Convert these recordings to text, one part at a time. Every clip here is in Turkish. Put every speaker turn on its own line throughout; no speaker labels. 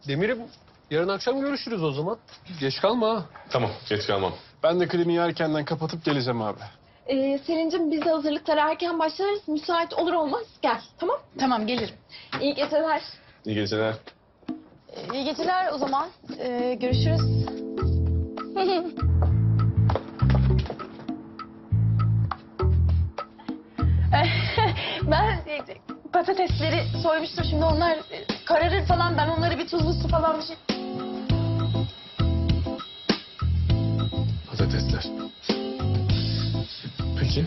Demir'im yarın akşam görüşürüz o zaman. Geç kalma ha.
Tamam, geç kalmam.
Ben de kliniği erkenden kapatıp geleceğim abi.
Selin'cim biz de hazırlıklara erken başlarız. Müsait olur olmaz gel tamam.
Tamam gelirim.
İyi geceler.
İyi geceler.
İyi geceler o zaman. Görüşürüz. Ben patatesleri soymuştum. Şimdi onlar kararır falan. Ben onları bir tuzlu su falan bir şey...
Patatesler. Peki.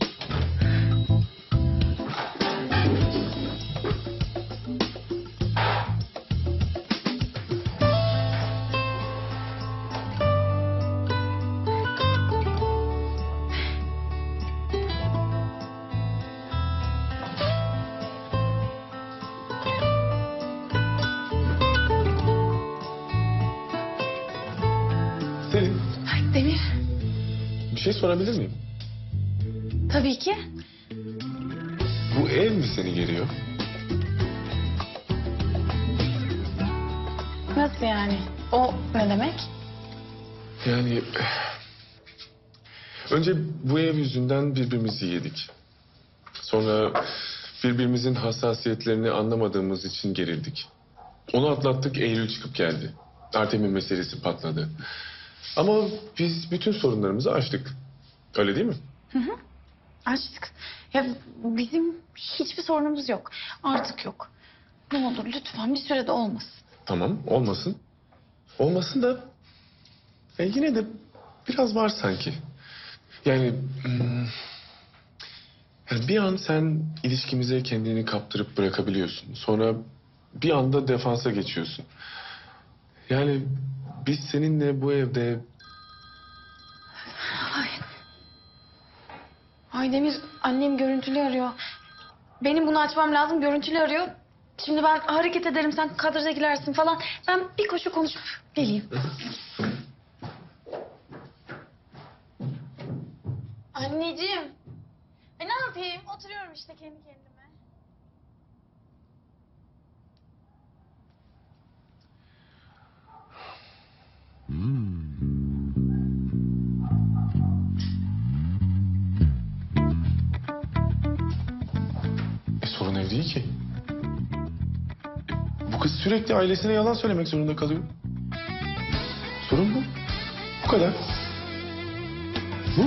Selin,
Ay Demir.
bir şey sorabilir miyim?
Tabii ki.
Bu ev mi seni geriyor?
Nasıl yani? O ne demek?
Yani... Önce bu ev yüzünden birbirimizi yedik. Sonra birbirimizin hassasiyetlerini anlamadığımız için gerildik. Onu atlattık, Eylül çıkıp geldi. Artem'in meselesi patladı. Ama biz bütün sorunlarımızı aştık. Öyle değil mi?
Açtık. Ya bizim hiçbir sorunumuz yok. Artık yok. Ne olur lütfen bir sürede olmasın.
Tamam, olmasın. Olmasın da... yine de biraz var sanki. Yani... yani bir an sen ilişkimize kendini kaptırıp bırakabiliyorsun. Sonra bir anda defansa geçiyorsun. Yani biz seninle bu evde...
Ay Demir, annem görüntülü arıyor. Benim bunu açmam lazım, görüntülü arıyor. Şimdi ben hareket ederim, sen kadraja girersin falan. Ben bir koşu konuşup geleyim. Anneciğim. Ne yapayım? Oturuyorum işte kendi kendime.
sorun ev değil ki. Bu kız sürekli ailesine yalan söylemek zorunda kalıyor. Sorun bu. Bu kadar. Bu.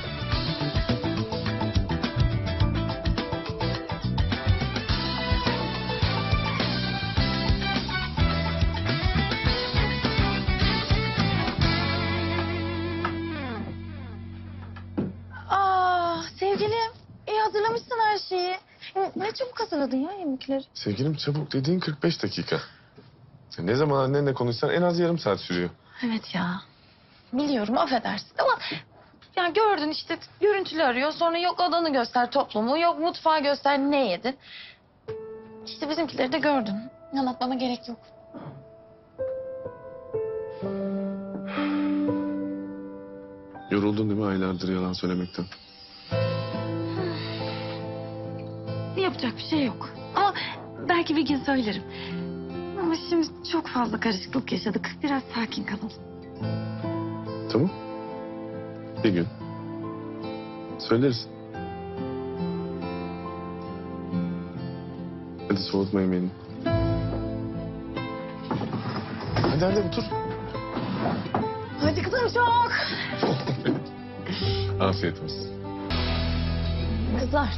Sevgilim, iyi hazırlamışsın her şeyi. Ne çabuk hazırladın ya yemekleri.
Sevgilim çabuk dediğin 45 dakika. Ne zaman annenle konuşsan en az yarım saat sürüyor.
Evet ya. Biliyorum affedersin ama... Ya gördün işte görüntülü arıyor. Sonra yok odanı göster toplumu. Yok mutfağı göster ne yedin. İşte bizimkileri de gördün. Anlatmama gerek yok.
Yoruldun değil mi aylardır yalan söylemekten?
Yapacak bir şey yok. Ama belki bir gün söylerim. Ama şimdi çok fazla karışıklık yaşadık. Biraz sakin kalalım.
Tamam. Bir gün. Söyleriz. Hadi soğutma yemeğini. Hadi otur.
Hadi kızım çok.
Afiyet olsun.
Kızlar.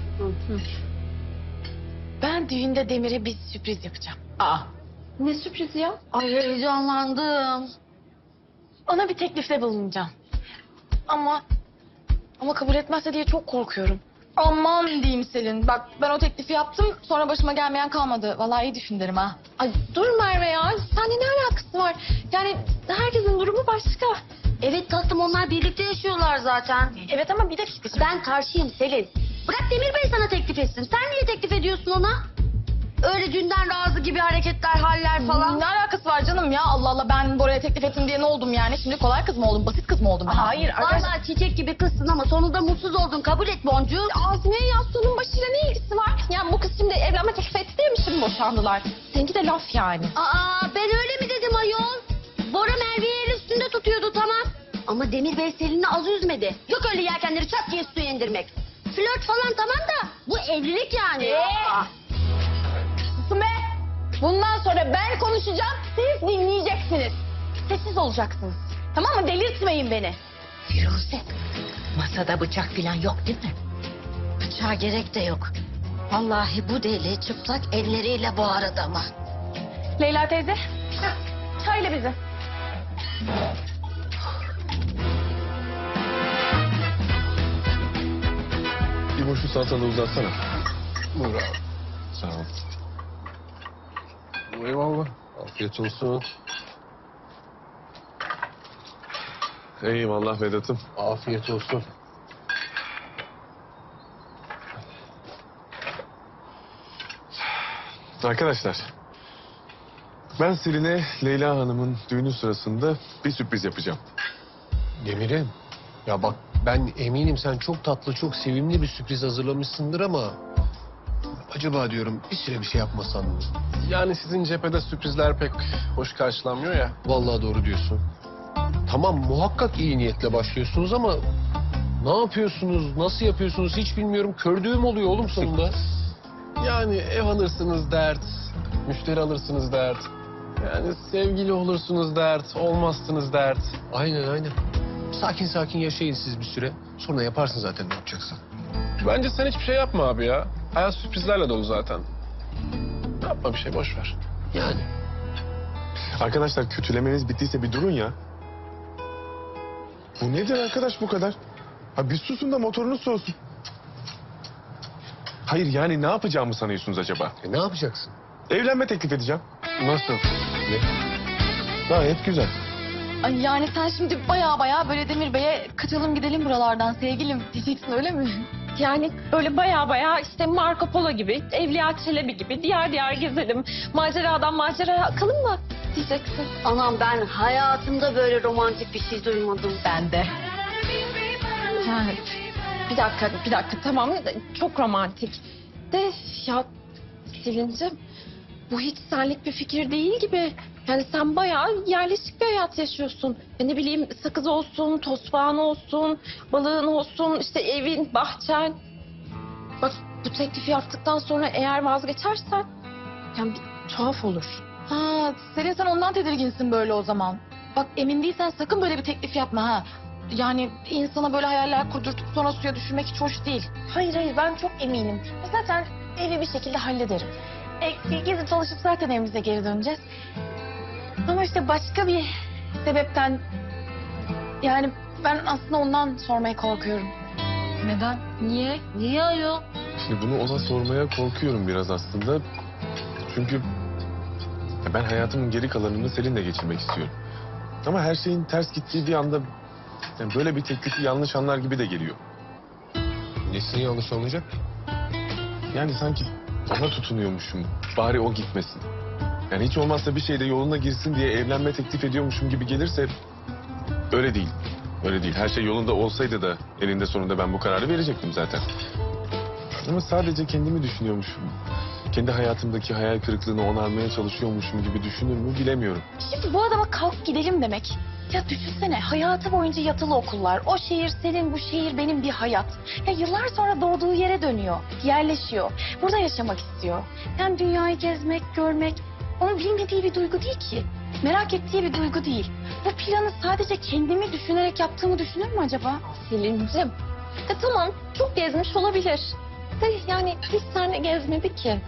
Ben düğünde Demir'e bir sürpriz yapacağım.
Ne sürprizi ya?
Ay heyecanlandım. Ona bir teklifte bulunacağım. Ama kabul etmezse diye çok korkuyorum. Aman diyeyim Selin. Bak ben o teklifi yaptım. Sonra başıma gelmeyen kalmadı. Vallahi iyi düşün derim ha.
Ay dur Merve ya. Seninle ne alakası var? Yani herkesin durumu başka.
Evet tatlım onlar birlikte yaşıyorlar zaten.
Evet ama bir dakika.
Ben karşıyım Selin. Bırak Demir Bey sana teklif etsin. Sen niye teklif ediyorsun ona? Öyle dünden razı gibi hareketler, haller falan.
Ne alakası var canım ya? Allah Allah ben Bora'ya teklif ettim diye ne oldum yani? Şimdi kolay kız mı oldum? Basit kız mı oldum ben? Hayır
Vallahi çiçek gibi kızsın ama sonunda mutsuz oldun. Kabul et Boncuk.
Azmiye yastığının başıyla ne ilgisi var? Ya bu kız şimdi evlenme teklif etti diye mi şimdi boşandılar? Seninki de laf yani.
Aa ben öyle mi dedim? ayol. Bora Merve'yi el üstünde tutuyordu tamam. Ama Demir Bey Selin'i az üzmedi. Yok öyle yelkenleri çat diye suya indirmek. Flört falan tamam da bu evlilik yani.
Susun be! Bundan sonra ben konuşacağım, siz dinleyeceksiniz. Sessiz olacaksınız. Tamam mı? Delirtmeyin beni.
Firuze, masada bıçak falan yok değil mi?
Bıçağa gerek de yok. Vallahi bu deli çıplak elleriyle boğar adamı.
Leyla teyze, çayla bizi.
Bir boşu salatalığı uzatsana.
Buyur abi.
Sağ ol.
Eyvallah. Afiyet olsun.
Eyvallah Vedat'ım.
Afiyet olsun.
Arkadaşlar, ben Selin'e Leyla Hanım'ın düğünü sırasında bir sürpriz yapacağım.
Demir'im. Ya bak ben eminim sen çok tatlı, çok sevimli bir sürpriz hazırlamışsındır ama... Acaba diyorum bir süre bir şey yapmasan mı?
Yani sizin cephede sürprizler pek hoş karşılanmıyor ya.
Vallahi doğru diyorsun. Tamam muhakkak iyi niyetle başlıyorsunuz ama... Ne yapıyorsunuz, nasıl yapıyorsunuz hiç bilmiyorum. Kördüğüm oluyor oğlum sonunda.
Yani ev alırsınız dert, müşteri alırsınız dert. Yani sevgili olursunuz dert, olmazsınız dert.
Aynen. Sakin sakin yaşayın siz bir süre. Sonra yaparsın zaten ne yapacaksan.
Bence sen hiçbir şey yapma abi ya. Hayat sürprizlerle dolu zaten. Yapma bir şey, boş ver.
Yani.
Arkadaşlar kötülemeniz bittiyse bir durun ya. Bu nedir arkadaş bu kadar? Ha bir susun da motorunuz soğusun. Hayır yani ne yapacağımı sanıyorsunuz acaba?
Ne yapacaksın?
Evlenme teklif edeceğim.
Nasıl?
Gayet güzel.
Ay yani sen şimdi baya böyle Demir Bey'e kaçalım gidelim buralardan sevgilim diyeceksin öyle mi?
Yani böyle baya işte Marco Polo gibi, Evliya Çelebi gibi diğer gezelim. Maceradan maceraya akalım mı diyeceksin.
Anam ben hayatımda böyle romantik bir şey duymadım.
Ben de.
Ha, bir dakika tamam çok romantik. De ya Selin'cim bu hiç senlik bir fikir değil gibi. Yani sen bayağı yerleşik bir hayat yaşıyorsun. Ya ne bileyim sakız olsun, tosbağan olsun, balığın olsun, işte evin, bahçen. Bak bu teklifi yaptıktan sonra eğer vazgeçersen yani bir tuhaf olur.
Ha, Selin sen ondan tedirginsin böyle o zaman. Bak emin değilsen sakın böyle bir teklif yapma ha. Yani insana böyle hayaller kurdurtup sonra suya düşürmek hiç hoş değil. Hayır ben çok eminim. Zaten evi bir şekilde hallederim. Gezip dolaşıp zaten evimize geri döneceğiz. Ama işte başka bir sebepten... Yani ben aslında ondan sormaya korkuyorum.
Neden?
Niye?
Niye ayol?
Şimdi bunu ona sormaya korkuyorum biraz aslında. Çünkü ben hayatımın geri kalanını Selin'le geçirmek istiyorum. Ama her şeyin ters gittiği bir anda yani böyle bir teklifi yanlış anlar gibi de geliyor.
Nesine yanlış olacak?
Yani sanki ona tutunuyormuşum. Bari o gitmesin. Yani hiç olmazsa bir şeyde yoluna girsin diye evlenme teklif ediyormuşum gibi gelirse öyle değil. Öyle değil. Her şey yolunda olsaydı da eninde sonunda ben bu kararı verecektim zaten. Ama sadece kendimi düşünüyormuşum. Kendi hayatımdaki hayal kırıklığını onarmaya çalışıyormuşum gibi düşünür mü bilemiyorum.
Şimdi bu adama kalk gidelim demek. Ya düşünsene hayatı boyunca yatılı okullar. O şehir senin, bu şehir benim bir hayat. Ya yıllar sonra doğduğu yere dönüyor, yerleşiyor. Burada yaşamak istiyor. Yani dünyayı gezmek, görmek onun bilmediği bir duygu değil ki. Merak ettiği bir duygu değil. Bu planı sadece kendimi düşünerek yaptığımı düşünür mü acaba?
Selin'cim tamam çok gezmiş olabilir. De yani hiç seninle gezmedi ki.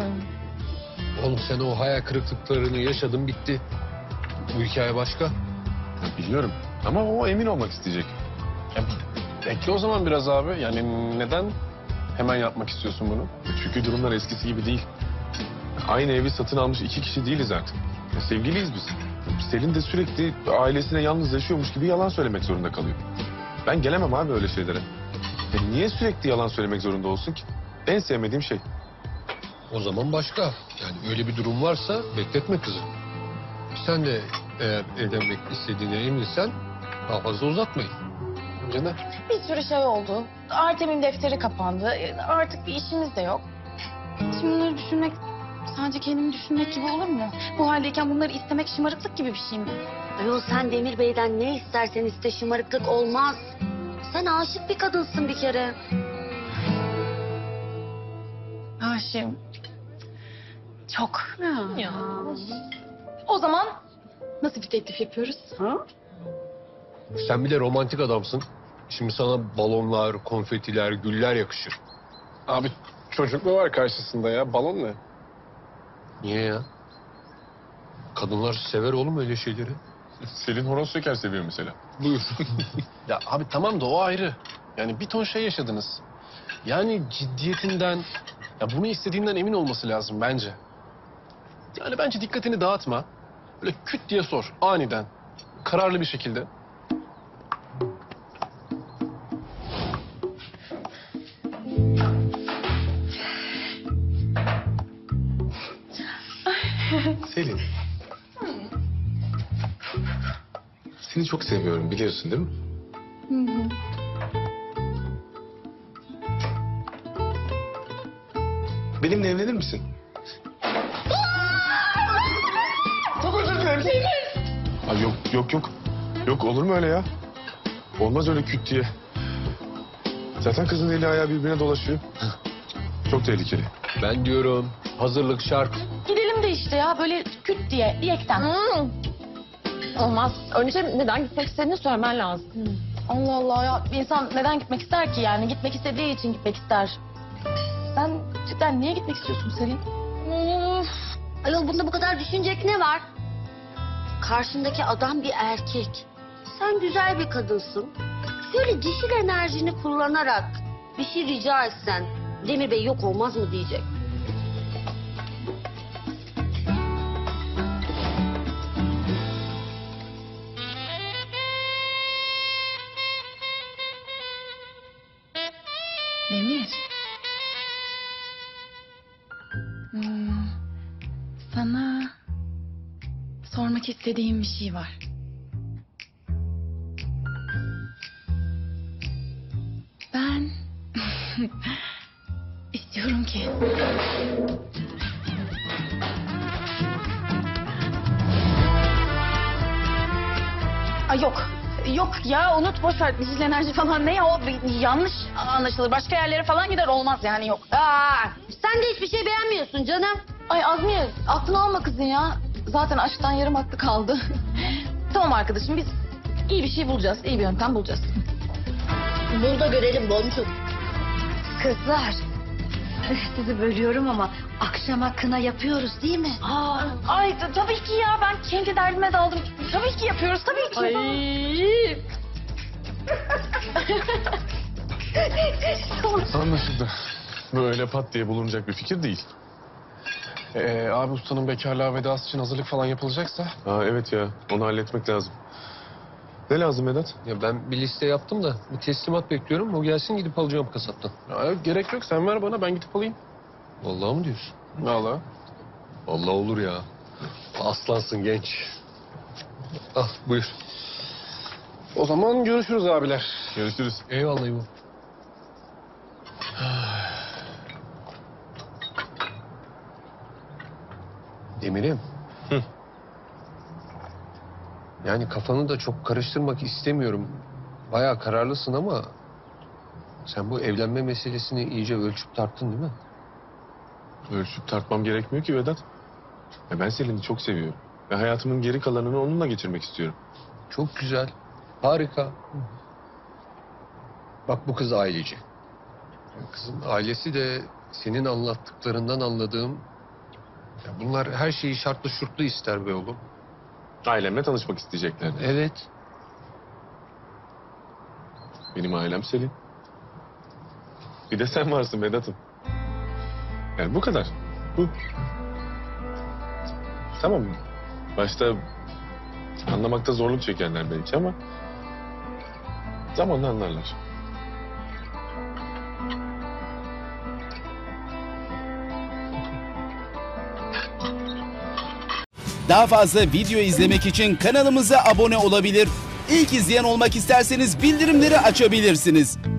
Oğlum sen o hayal kırıklıklarını yaşadın bitti. Bu hikaye başka.
Ya biliyorum ama o emin olmak isteyecek.
Bekle o zaman biraz abi. Yani neden hemen yapmak istiyorsun bunu?
Çünkü durumlar eskisi gibi değil. Aynı evi satın almış iki kişi değiliz artık. Ya sevgiliyiz biz. Selin de sürekli ailesine yalnız yaşıyormuş gibi yalan söylemek zorunda kalıyor. Ben gelemem abi öyle şeylere. Ya niye sürekli yalan söylemek zorunda olsun ki? En sevmediğim şey.
O zaman başka. Yani öyle bir durum varsa bekletme kızı. Sen de eğer evlenmek istediğine eminsen daha fazla uzatmayın.
Bence de.
Bir sürü şey oldu. Artem'in defteri kapandı. Artık bir işimiz de yok. Şimdi bunları düşünmek Sadece kendimi düşünmek gibi olur mu? Bu haldeyken bunları istemek şımarıklık gibi bir şey mi?
Ayol sen Demir Bey'den ne istersen iste, şımarıklık olmaz. Sen aşık bir kadınsın bir kere.
Aşığım. Çok. Ya. O zaman nasıl bir teklif yapıyoruz?
Sen bir de romantik adamsın. Şimdi sana balonlar, konfetiler, güller yakışır.
Abi çocuk mu var karşısında ya? Balon ne?
Niye ya? Kadınlar sever oğlum öyle şeyleri.
Selin horoz şeker seviyor mesela.
Buyur.
Ya abi tamam da o ayrı. Yani bir ton şey yaşadınız. Yani ciddiyetinden, ya bunu istediğinden emin olması lazım bence. Yani bence dikkatini dağıtma. Böyle küt diye sor aniden. Kararlı bir şekilde.
Selin. Seni çok seviyorum biliyorsun değil mi? Benimle evlenir misin? Çok özür dilerim. Ay yok. Yok olur mu öyle ya? Olmaz öyle küt diye. Zaten kızın eli ayağı birbirine dolaşıyor. Çok tehlikeli.
Ben diyorum hazırlık şart.
Gidelim de işte ya böyle küt diye diyekten.
Olmaz. Önce neden gitmek istediğini söylemen lazım.
Allah Allah ya bir insan neden gitmek ister ki yani gitmek istediği için gitmek ister. Sen cidden niye gitmek istiyorsun Selin?
Of. Ayol bunda bu kadar düşünecek ne var? Karşındaki adam bir erkek. Sen güzel bir kadınsın. Şöyle dişil enerjini kullanarak bir şey rica etsen Demir Bey yok olmaz mı diyecek.
Demir. Sana sormak istediğim bir şey var. Ben istiyorum ki Ay yok ya unut boş ver dişil enerji falan ne ya o yanlış anlaşılır başka yerlere falan gider olmaz yani yok.
Aa, sen de hiçbir şey beğenmiyorsun canım.
Ay Azmiye aklını alma kızın ya zaten aşktan yarım aklı kaldı. Tamam arkadaşım biz iyi bir şey bulacağız iyi bir yöntem bulacağız.
Bul da görelim Boncuk.
Kızlar. Sizi bölüyorum ama akşama kına yapıyoruz değil mi?
Ay tabii ki ya ben kendi derdime daldım. Tabii ki yapıyoruz tabii ki.
Anlaşıldı. Böyle pat diye bulunacak bir fikir değil.
Abi ustanın bekarlığa vedası için hazırlık falan yapılacaksa.
Aa, evet ya onu halletmek lazım. Ne lazım Vedat?
Ya ben bir liste yaptım da bir teslimat bekliyorum. O gelsin gidip alacağım kasaptan.
Ya, gerek yok sen ver bana ben gidip alayım.
Vallahi mı diyorsun?
Vallahi.
Vallahi olur ya. Aslansın genç. Al buyur.
O zaman görüşürüz abiler.
Görüşürüz.
Eyvallah İbo. Demir'im.
Hı.
Yani kafanı da çok karıştırmak istemiyorum. Bayağı kararlısın ama... sen bu evlenme meselesini iyice ölçüp tarttın değil mi?
Ölçüp tartmam gerekmiyor ki Vedat. Ya ben Selin'i çok seviyorum. Ve hayatımın geri kalanını onunla geçirmek istiyorum.
Çok güzel. Harika. Bak bu kız aileci. Kızın ailesi de senin anlattıklarından anladığım... ya bunlar her şeyi şartlı şurtlu ister be oğlum.
Ailemle tanışmak isteyeceklerdi.
Evet.
Benim ailem Selin. Bir de sen varsın Vedat'ım. Yani bu kadar. Bu. Tamam mı? Başta anlamakta zorluk çekenler belki ama... zamanla anlarlar.
Daha fazla video izlemek için kanalımıza abone olabilir. İlk izleyen olmak isterseniz bildirimleri açabilirsiniz.